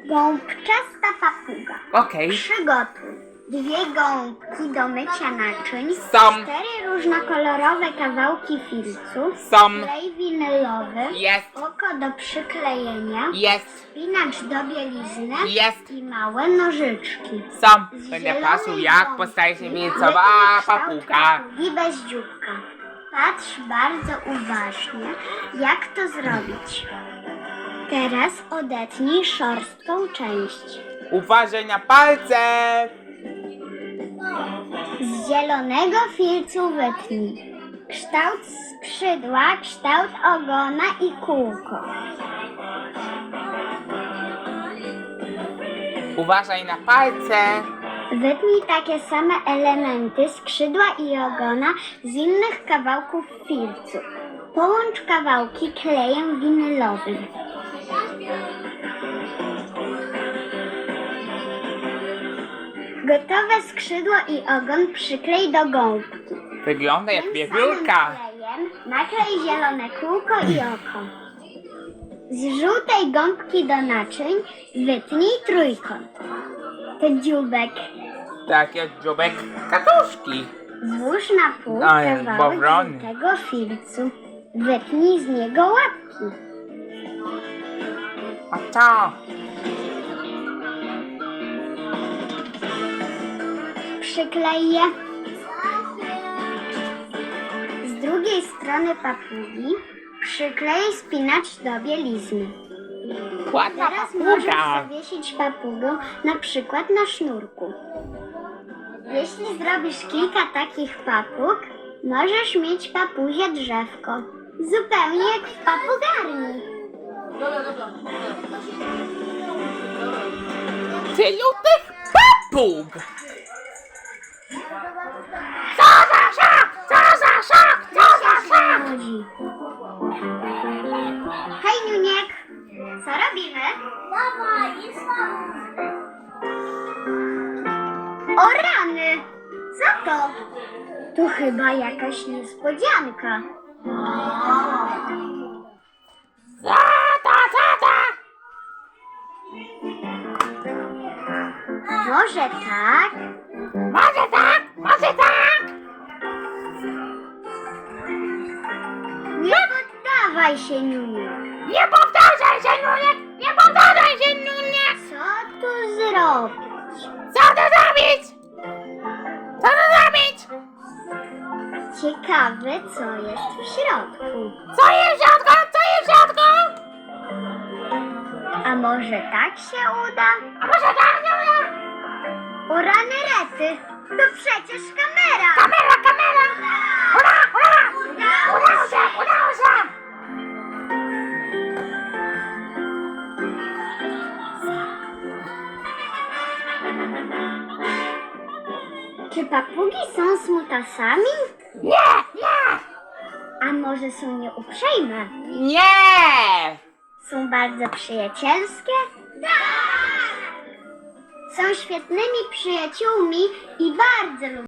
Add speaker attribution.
Speaker 1: Gąbczasta papuga.
Speaker 2: Okej.
Speaker 1: Przygotuj 2 gąbki do mycia naczyń,
Speaker 2: Są.
Speaker 1: 4 różnokolorowe kawałki filcu,
Speaker 2: Są.
Speaker 1: klej winylowy,
Speaker 2: Jest.
Speaker 1: oko do przyklejenia,
Speaker 2: Jest.
Speaker 1: spinacz do bielizny
Speaker 2: Jest.
Speaker 1: i małe nożyczki.
Speaker 2: Są.
Speaker 1: Z
Speaker 2: Będę
Speaker 1: zielonej
Speaker 2: patrzył, jak
Speaker 1: gąbki
Speaker 2: postaje się
Speaker 1: wytnij
Speaker 2: wieńcowa
Speaker 1: kształt
Speaker 2: papuga.
Speaker 1: papugi bez dzióbka. Patrz bardzo uważnie, jak to zrobić. Teraz odetnij szorstką część.
Speaker 2: Uważaj na palce.
Speaker 1: Z zielonego filcu wytnij kształt skrzydła, kształt ogona i kółko.
Speaker 2: Uważaj na palce.
Speaker 1: Wytnij takie same elementy skrzydła i ogona z innych kawałków filcu. Połącz kawałki klejem winylowym. Gotowe skrzydło i ogon przyklej do gąbki.
Speaker 2: Wygląda jak
Speaker 1: Tym
Speaker 2: wiewiórka.
Speaker 1: samym klejem naklej zielone kółko i oko. Z żółtej gąbki do naczyń wytnij trójkąt. To dzióbek.
Speaker 2: Tak jak dziobek katuszki.
Speaker 1: Złóż na pół
Speaker 2: Ale
Speaker 1: kawałek
Speaker 2: bowrony.
Speaker 1: żółtego filcu. Wytnij z niego łapki.
Speaker 2: A co?
Speaker 1: Przyklej je. Z drugiej strony papugi przyklej spinacz do bielizny.
Speaker 2: Ładna
Speaker 1: Teraz możesz
Speaker 2: papuga.
Speaker 1: zawiesić papugę na przykład na sznurku. Jeśli zrobisz kilka takich papug, możesz mieć papuzie drzewko. Zupełnie jak w papugarni.
Speaker 2: Tylu tych papug. Co za szok! Co za szok! Co za szok!
Speaker 1: Chodzi. Hej, Niuniek! Co robimy? O rany! Co to? To chyba jakaś niespodzianka.
Speaker 2: Ta.
Speaker 1: Może tak?
Speaker 2: Może tak, może tak.
Speaker 1: Nie poddawaj się, Niuniek.
Speaker 2: Nie powtarzaj się, Nuniek! Nie powtarzaj się, Nuniek!
Speaker 1: Co tu zrobić?
Speaker 2: Co to zrobić? Co to zrobić?
Speaker 1: Ciekawe, co jest w środku.
Speaker 2: Co jest w środku? Co jest w środku?
Speaker 1: A może tak się uda?
Speaker 2: A może tak, Nunia?
Speaker 1: O rany rety! To przecież kamera!
Speaker 2: Kamera! Ura! Udało się!
Speaker 1: Czy papugi są smutasami?
Speaker 2: Nie!
Speaker 1: A może są nieuprzejme?
Speaker 2: Nie!
Speaker 1: Są bardzo przyjacielskie? Tak! Są świetnymi przyjaciółmi i bardzo lubią